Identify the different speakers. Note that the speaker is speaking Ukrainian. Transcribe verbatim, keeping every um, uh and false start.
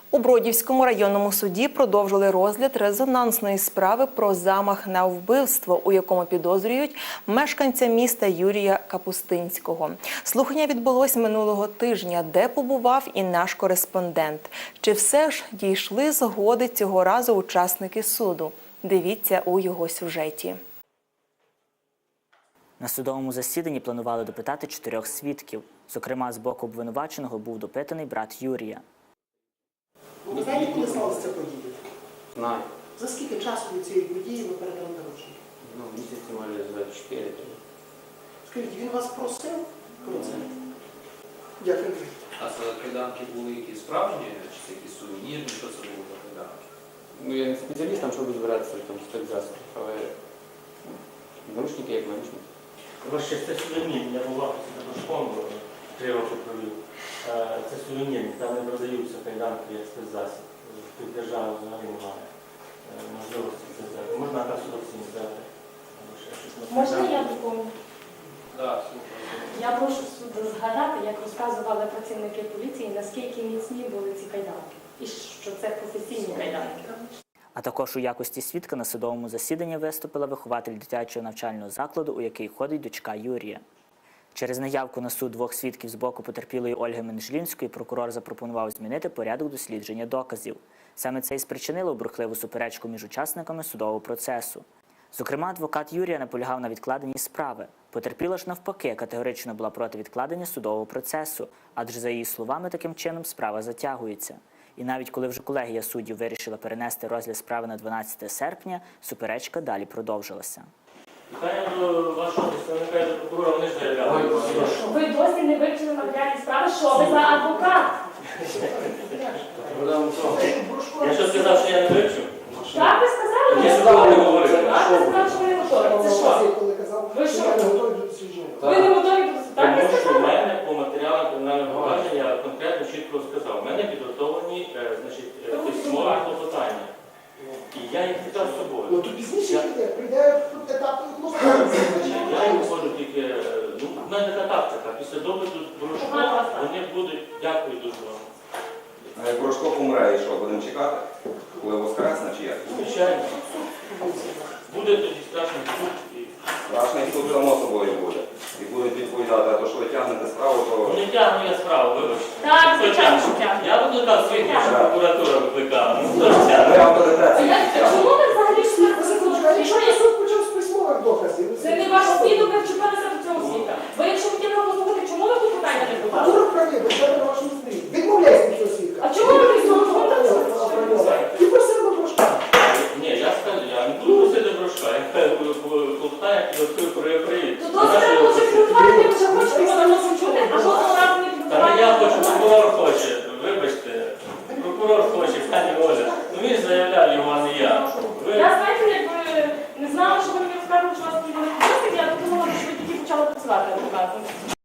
Speaker 1: У Бродівському районному суді продовжили розгляд резонансної справи про замах на вбивство, у якому підозрюють мешканця міста Юрія Капустинського. Слухання відбулось минулого тижня, де побував і наш кореспондент. Чи все ж дійшли згоди цього разу учасники суду? Дивіться у його сюжеті.
Speaker 2: На судовому засіданні планували допитати чотирьох свідків. Зокрема, з боку обвинуваченого був допитаний брат Юрія.
Speaker 3: Ви знаєте, коли сталося ця подія?
Speaker 4: Знаю.
Speaker 3: За скільки часу від цієї події ви передали народження?
Speaker 4: Ну, місяці, може, за чотири.
Speaker 3: Скажіть, він вас просив про це? Дякую.
Speaker 5: А це кайданки були якісь справжні, чи це якісь сувенірні, що це було за кайданки?
Speaker 4: Ну, я не спеціаліст, там, щоб розбиратися в тому спецзасобі, але наручники як наручники.
Speaker 6: Ваше, це сувенірні, я був в офісі на школу, три роки провів. Це сувенірні, там не продаються кайданки як спецзасіб. Тут держава взагалі немає можливості це взяти. Можна на судовці не взяти.
Speaker 7: Можна я доповню?
Speaker 5: Так, слухаю.
Speaker 7: Я прошу суд згадати, як розказували працівники поліції, наскільки міцні були ці кайданки. І що це професійні кайданки.
Speaker 2: А також у якості свідка на судовому засіданні виступила вихователь дитячого навчального закладу, у який ходить дочка Юрія. Через наявку на суд двох свідків з боку потерпілої Ольги Менжлінської прокурор запропонував змінити порядок дослідження доказів. Саме це і спричинило бурхливу суперечку між учасниками судового процесу. Зокрема, адвокат Юрія наполягав на відкладенні справи. Потерпіла ж навпаки категорично була проти відкладення судового процесу, адже за її словами таким чином справа затягується. І навіть коли вже колегія суддів вирішила перенести розгляд справи на дванадцяте серпня, суперечка далі продовжилася.
Speaker 6: Питання до вашого представника і до прокурора, вони ж заявляли.
Speaker 7: Ви досі не вивчили матеріальні справи, що ви за адвокат?
Speaker 6: Я що сказав, що я не вивчив?
Speaker 7: Так, ви сказали?
Speaker 6: Я сюди не говорив.
Speaker 7: Так, ви сказали, що ви не готові. Це що?
Speaker 3: Коли казав,
Speaker 7: Ви
Speaker 3: що
Speaker 7: що?
Speaker 3: я не готовий до дослідження.
Speaker 7: Ви не готові до суду? Так, ви
Speaker 6: Тому що в
Speaker 7: сказали?
Speaker 6: мене по матеріалам кримінального провадження я конкретно чітко сказав. У мене підготовлені е, значить, е, письмові клопотання. І я їх взяв з
Speaker 3: Ну,
Speaker 6: собою.
Speaker 3: то пізніше прийде, прийде етап
Speaker 6: Я їм можу тільки, е, ну, в мене така тактика. Після допиту Порошко вони будуть, дякую дуже вам.
Speaker 8: А як Порошко помре, і що, будемо чекати? Коли воскресне чи як?
Speaker 6: Звичайно. Буде тоді страшний суд. і-
Speaker 8: Страшний суд само собою буде. І будуть відповідати, а то, що ви тягнете справу,
Speaker 6: Ну,
Speaker 8: то...
Speaker 6: не тягну я справу, вибачте.
Speaker 7: Так,
Speaker 6: Хто
Speaker 7: звичайно,
Speaker 6: тягне?
Speaker 7: що тягне.
Speaker 6: Я викликав свідків, що прокуратура викликала. Ну, хто ж
Speaker 8: Ви
Speaker 6: тягне?
Speaker 8: авторитет
Speaker 7: А
Speaker 8: свій
Speaker 7: як-
Speaker 8: тягнете.
Speaker 7: чому ви взагалі
Speaker 3: А якщо
Speaker 7: що
Speaker 3: я суд почав з письмових доказів?
Speaker 7: Це не ваш свідок, ви вчепилися до цього світа. Ви якщо хотіли послухати, чому ви тут питання не
Speaker 3: А
Speaker 7: подали?
Speaker 3: ви праві, ви себе на вашому стрій. Відмовляйся від цього свідка.
Speaker 7: А чому ви не слухали?
Speaker 3: І просив до Порошка.
Speaker 6: Ні, я скажу, я не буду просити Порошка. Я клопотання підготую про приїзд.
Speaker 7: То досить лучше підготувати, ви вже хочете його на чути, а жодного разу не
Speaker 6: Та не я
Speaker 7: підготувати.
Speaker 6: хочу, прокурор хоче. Вибачте. Прокурор хоче, пані Оля. Ну він ж заявляв його, а не я. Ви...
Speaker 7: Я, знаєте, якби не знала, що ви мені розказували, що у вас такі великі досвід, я подумала, що ви тільки почали працювати адвокатом.